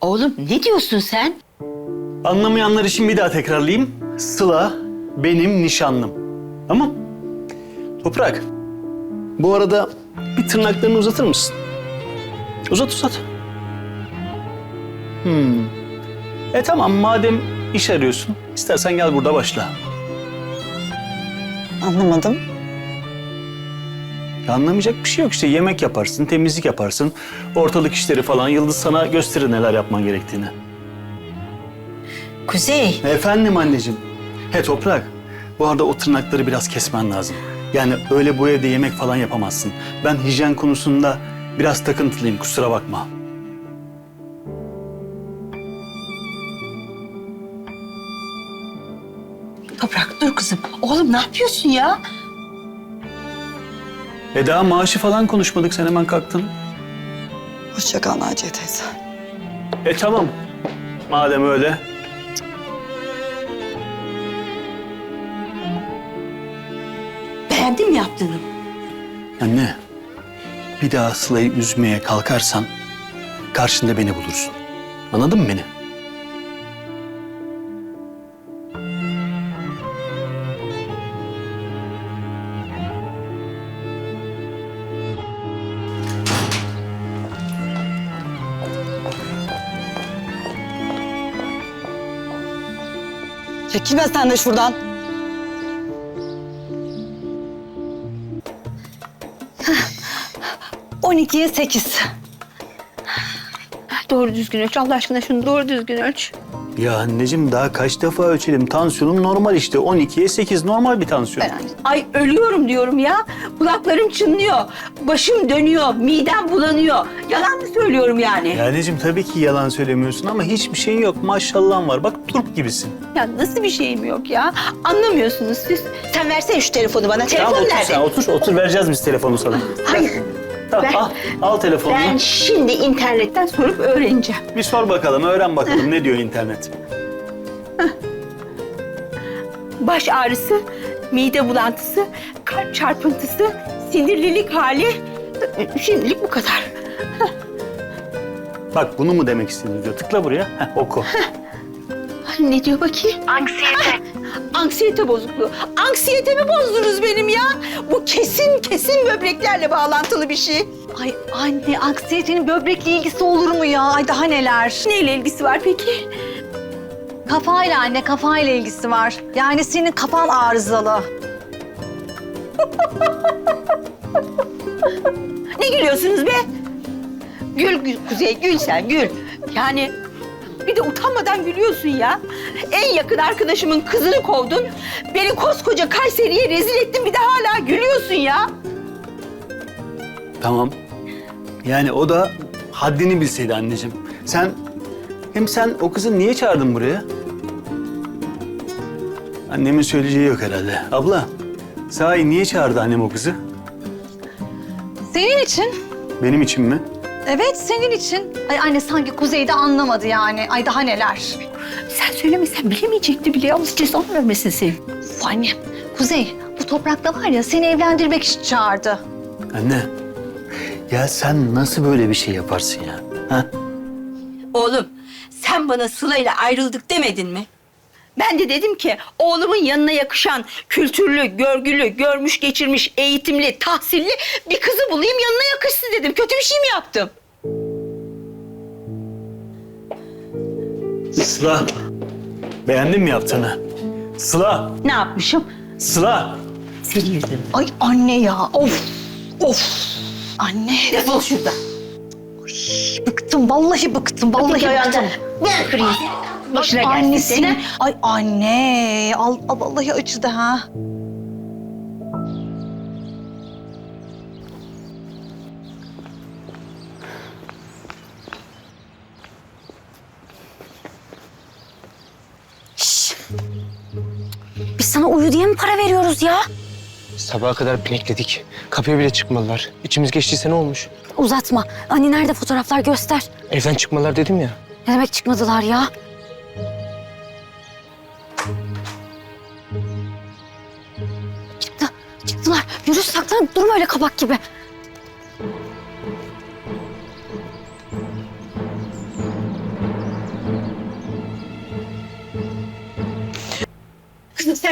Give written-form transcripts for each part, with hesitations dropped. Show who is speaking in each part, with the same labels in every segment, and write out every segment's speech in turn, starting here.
Speaker 1: Oğlum ne diyorsun sen?
Speaker 2: Anlamayanlar için bir daha tekrarlayayım. Sıla benim nişanlım. Tamam? Toprak, bu arada bir tırnaklarını uzatır mısın? Uzat. Tamam, madem iş arıyorsun, istersen gel burada başla.
Speaker 3: Anlamadım.
Speaker 2: Anlamayacak bir şey yok işte. Yemek yaparsın, temizlik yaparsın. Ortalık işleri falan. Yıldız sana gösterir neler yapman gerektiğini.
Speaker 1: Kuzey.
Speaker 2: Efendim anneciğim. Toprak, bu arada o tırnakları biraz kesmen lazım. Yani öyle bu evde yemek falan yapamazsın. Ben hijyen konusunda biraz takıntılıyım, kusura bakma.
Speaker 1: Toprak dur kızım. Oğlum ne yapıyorsun ya?
Speaker 2: Daha maaşı falan konuşmadık, sen hemen kalktın.
Speaker 3: Hoşça kal Naciye teyze.
Speaker 2: Tamam. Madem öyle.
Speaker 1: Beğendin mi yaptığını?
Speaker 2: Anne, bir daha Sıla'yı üzmeye kalkarsan karşında beni bulursun. Anladın mı beni?
Speaker 3: Çekilme sen de şuradan. Hah, 12'ye 8.
Speaker 1: Doğru düzgün ölç. Allah aşkına şunu doğru düzgün ölç.
Speaker 2: Ya anneciğim, daha kaç defa ölçelim? Tansiyonum normal işte. 12'ye 8 normal bir tansiyon.
Speaker 1: Ay ölüyorum diyorum ya. Kulaklarım çınlıyor. Başım dönüyor. Midem bulanıyor. Yalan mı söylüyorum yani?
Speaker 2: Ya anneciğim, tabii ki yalan söylemiyorsun ama hiçbir şeyin yok. Maşallahın var. Bak, turp gibisin.
Speaker 1: Ya nasıl bir şeyim yok ya? Anlamıyorsunuz siz. Sen versene şu telefonu bana. Telefon
Speaker 2: Tamam, otur
Speaker 1: nerede?
Speaker 2: sen. Otur. Vereceğiz biz telefonu sana.
Speaker 1: Hayır.
Speaker 2: Tamam,
Speaker 1: Ben-
Speaker 2: al telefonunu.
Speaker 1: Ben şimdi internetten sorup öğreneceğim.
Speaker 2: Bir sor bakalım, öğren bakalım ne diyor internet.
Speaker 1: Baş ağrısı, mide bulantısı, kalp çarpıntısı, sinirlilik hali. Şimdilik bu kadar.
Speaker 2: Bak, bunu mu demek istedin diyor. Tıkla buraya. Oku.
Speaker 1: Ne diyor bakayım? Anksiyete. Anksiyete bozukluğu. Anksiyetemi bozdunuz benim ya. Bu kesin böbreklerle bağlantılı bir şey.
Speaker 3: Ay anne, anksiyetenin böbrekle ilgisi olur mu ya? Ay daha neler.
Speaker 1: Neyle ilgisi var peki?
Speaker 3: Kafayla anne, kafayla ilgisi var. Yani senin kafan arızalı.
Speaker 1: Ne gülüyorsunuz be? Gül Kuzey, gül sen gül. Yani bir de utanmadan gülüyorsun ya. En yakın arkadaşımın kızını kovdun. Beni koskoca Kayseri'ye rezil ettin, bir de hala gülüyorsun ya.
Speaker 2: Tamam. Yani o da haddini bilseydi anneciğim. Sen o kızı niye çağırdın buraya? Annemin söyleyeceği yok herhalde. Abla, sahi niye çağırdı annem o kızı?
Speaker 3: Senin için.
Speaker 2: Benim için mi?
Speaker 3: Evet, senin için. Ay anne sanki Kuzey de anlamadı yani. Ay daha neler.
Speaker 1: Sen söylemesen bilemeyecekti bile. Allah cezanı vermesin seni.
Speaker 3: Uf anne, Kuzey bu toprakta var ya seni evlendirmek için çağırdı.
Speaker 2: Anne, ya sen nasıl böyle bir şey yaparsın ya? Ha?
Speaker 1: Oğlum, sen bana Sıla'yla ayrıldık demedin mi? Ben de dedim ki oğlumun yanına yakışan kültürlü, görgülü, görmüş geçirmiş, eğitimli, tahsilli bir kızı bulayım yanına yakışsın dedim. Kötü bir şey mi yaptım?
Speaker 2: Sıla, beğendin mi yaptığını? Sıla,
Speaker 1: Ne yapmışım?
Speaker 2: Sıla.
Speaker 1: Senin yüzünden.
Speaker 3: Ay anne ya, of. Anne,
Speaker 1: Defol şuradan.
Speaker 3: bıktım, vallahi bıktım, vallahi bıktım.
Speaker 1: Ben kırayım. Başına gelsin
Speaker 3: Annesi.
Speaker 1: senin.
Speaker 3: Ay anne, vallahi acıdı ha.
Speaker 4: Biz sana uyu diye mi para veriyoruz ya?
Speaker 5: Sabaha kadar pinekledik. Kapıya bile çıkmadılar. İçimiz geçtiyse ne olmuş?
Speaker 4: Uzatma. Anne nerede fotoğraflar göster.
Speaker 5: Evden çıkmadılar dedim ya.
Speaker 4: Ne demek çıkmadılar ya? Çıktılar. Yürü saklan. Durma öyle kabak gibi.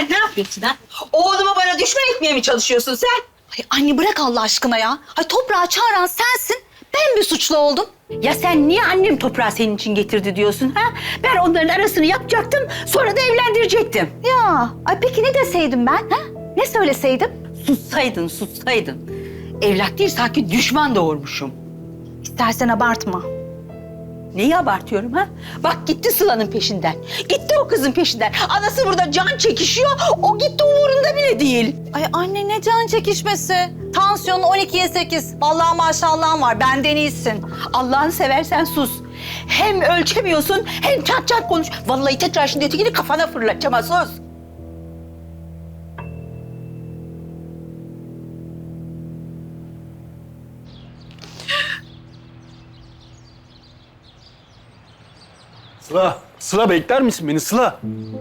Speaker 1: Sen ne yapıyorsun ha? Oğlumu bana düşman etmeye mi çalışıyorsun sen?
Speaker 3: Ay anne bırak Allah aşkına ya. Ay toprağı çağıran sensin. Ben bir suçlu oldum.
Speaker 1: Ya sen niye annem toprağı senin için getirdi diyorsun ha? Ben onların arasını yapacaktım, sonra da evlendirecektim.
Speaker 3: Ya ay peki ne deseydim ben? Ha? Ne söyleseydim?
Speaker 1: Sussaydın. Evlat değil sanki düşman doğurmuşum.
Speaker 3: İstersen abartma.
Speaker 1: Neyi abartıyorum ha? Bak gitti Sıla'nın peşinden. Gitti o kızın peşinden. Anası burada can çekişiyor, o gitti umurunda bile değil.
Speaker 3: Ay anne ne can çekişmesi. Tansiyonun 12'ye 8. Vallahi maşallahın var. Benden iyisin.
Speaker 1: Allah'ını seversen sus. Hem ölçemiyorsun hem çat çat konuş. Vallahi tekrar şimdi ötekini kafana fırlatacağım ha, sus.
Speaker 2: Sıla bekler misin beni Sıla?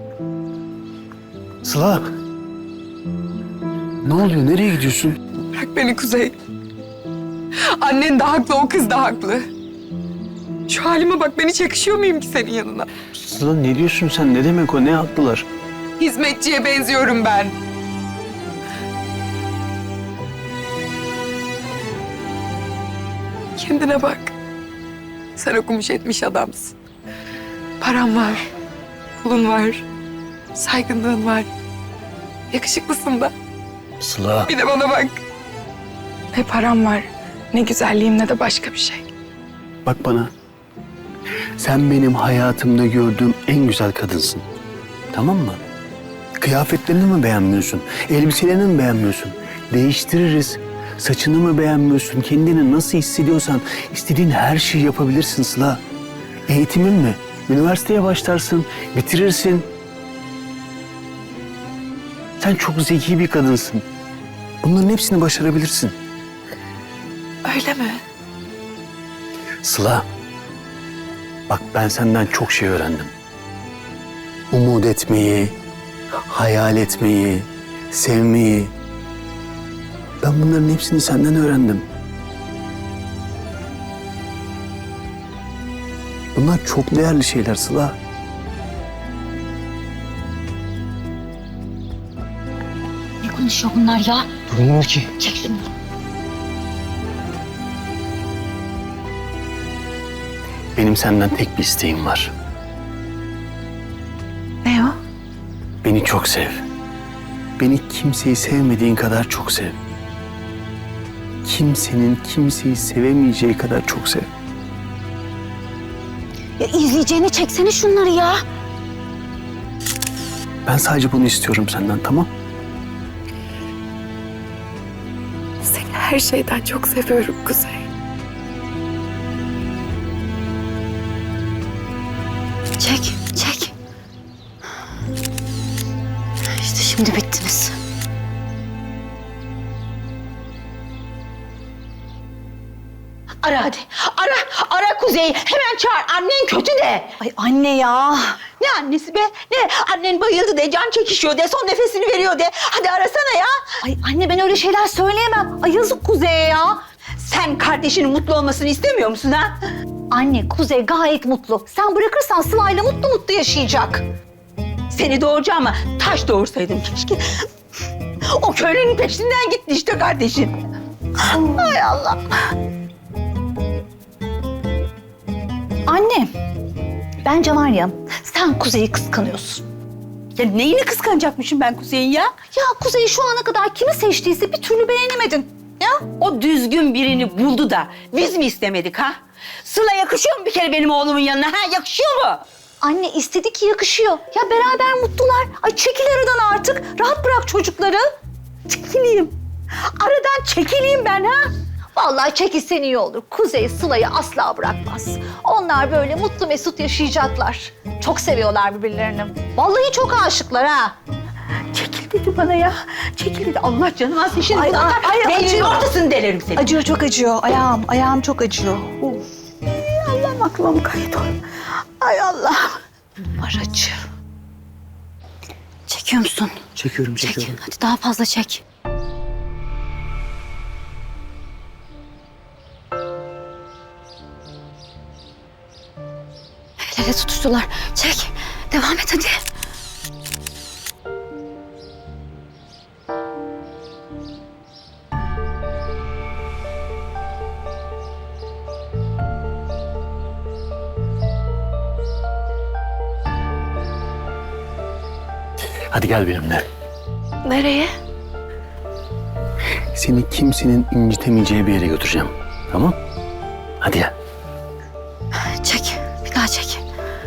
Speaker 2: Sıla. Ne oluyor? Nereye gidiyorsun?
Speaker 6: Bırak beni Kuzey. Annen de haklı, o kız da haklı. Şu halime bak, ben hiç yakışıyor muyum ki senin yanına?
Speaker 2: Sıla ne diyorsun sen? Ne demek o? Ne haklılar?
Speaker 6: Hizmetçiye benziyorum ben. Kendine bak. Sen okumuş etmiş adamsın. Paran var, pulun var, saygınlığın var. Yakışıklısın da.
Speaker 2: Sıla.
Speaker 6: Bir de bana bak. Ne param var, ne güzelliğim ne de başka bir şey.
Speaker 2: Bak bana. Sen benim hayatımda gördüğüm en güzel kadınsın. Tamam mı? Kıyafetlerini mi beğenmiyorsun? Elbiselerini mi beğenmiyorsun? Değiştiririz. Saçını mı beğenmiyorsun? Kendini nasıl hissediyorsan istediğin her şeyi yapabilirsin Sıla. Eğitimin mi? Üniversiteye başlarsın, bitirirsin. Sen çok zeki bir kadınsın. Bunların hepsini başarabilirsin.
Speaker 6: Öyle mi?
Speaker 2: Sıla, bak ben senden çok şey öğrendim. Umut etmeyi, hayal etmeyi, sevmeyi. Ben bunların hepsini senden öğrendim. Bunlar çok değerli şeyler Sıla.
Speaker 4: Ne konuşuyor bunlar ya?
Speaker 5: Durmuyor ki.
Speaker 4: Çek şunu.
Speaker 2: Benim senden tek bir isteğim var.
Speaker 6: Ne o?
Speaker 2: Beni çok sev. Beni kimseyi sevmediğin kadar çok sev. Kimsenin kimseyi sevemeyeceği kadar çok sev.
Speaker 4: Ya izleyeceğini çeksene şunları ya.
Speaker 2: Ben sadece bunu istiyorum senden, tamam?
Speaker 6: Seni her şeyden çok seviyorum Kuzey.
Speaker 4: Çek, çek. İşte şimdi bittiniz.
Speaker 1: Ara hadi. Ara Kuzey'i. Hemen çağır. Annen kötü de.
Speaker 3: Ay anne ya.
Speaker 1: Ne annesi be? Ne? Annen bayıldı de, can çekişiyor de, son nefesini veriyor de. Hadi arasana ya.
Speaker 3: Ay anne ben öyle şeyler söyleyemem. Ay yazık Kuzey'e ya.
Speaker 1: Sen kardeşinin mutlu olmasını istemiyor musun ha?
Speaker 3: Anne Kuzey gayet mutlu. Sen bırakırsan Sıla'yla mutlu mutlu yaşayacak.
Speaker 1: Seni doğuracağıma taş doğursaydım keşke. O köylünün peşinden gitti işte kardeşin. Hay Allah.
Speaker 3: Anne, bence var ya sen Kuzey'i kıskanıyorsun.
Speaker 1: Ya neyini kıskanacakmışım ben Kuzey'in ya?
Speaker 3: Ya Kuzey şu ana kadar kimi seçtiyse bir türlü beğenemedin. Ya
Speaker 1: O düzgün birini buldu da biz mi istemedik ha? Sıla yakışıyor mu bir kere benim oğlumun yanına ha? Yakışıyor mu?
Speaker 3: anne istedi ki yakışıyor. Ya beraber mutlular. Ay çekil aradan artık. Rahat bırak çocukları.
Speaker 1: Çekileyim. Aradan çekileyim ben ha?
Speaker 3: Vallahi çekilsen iyi olur. Kuzey Sıla'yı asla bırakmaz. Onlar böyle mutlu mesut yaşayacaklar. Çok seviyorlar birbirlerini. Vallahi çok aşıklar ha.
Speaker 1: Çekil dedi bana ya. Çekil dedi. Allah canıma seçin.
Speaker 3: Ay, ay,
Speaker 1: Beyninin
Speaker 3: acıyor.
Speaker 1: ortasını delerim seni.
Speaker 3: Acıyor çok acıyor. Ayağım çok acıyor.
Speaker 1: Allah'ım aklıma kayıt ol. Ay Allah.
Speaker 3: Var acı.
Speaker 4: Çekiyor musun?
Speaker 2: Çekiyorum,
Speaker 4: Çek.
Speaker 2: çekiyorum.
Speaker 4: Hadi daha fazla çek. El ele tutuştular. Çek. Devam et hadi.
Speaker 2: Hadi gel benimle.
Speaker 4: Nereye?
Speaker 2: Seni kimsenin incitemeyeceği bir yere götüreceğim. Tamam? Hadi gel.
Speaker 4: Çek. Bir daha çek.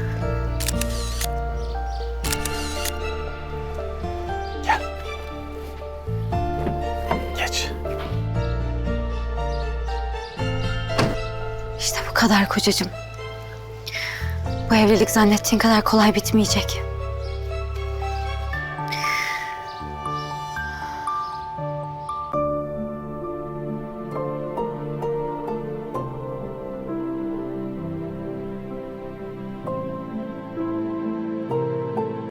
Speaker 2: Gel. Geç.
Speaker 4: İşte bu kadar kocacığım. Bu evlilik zannettiğin kadar kolay bitmeyecek.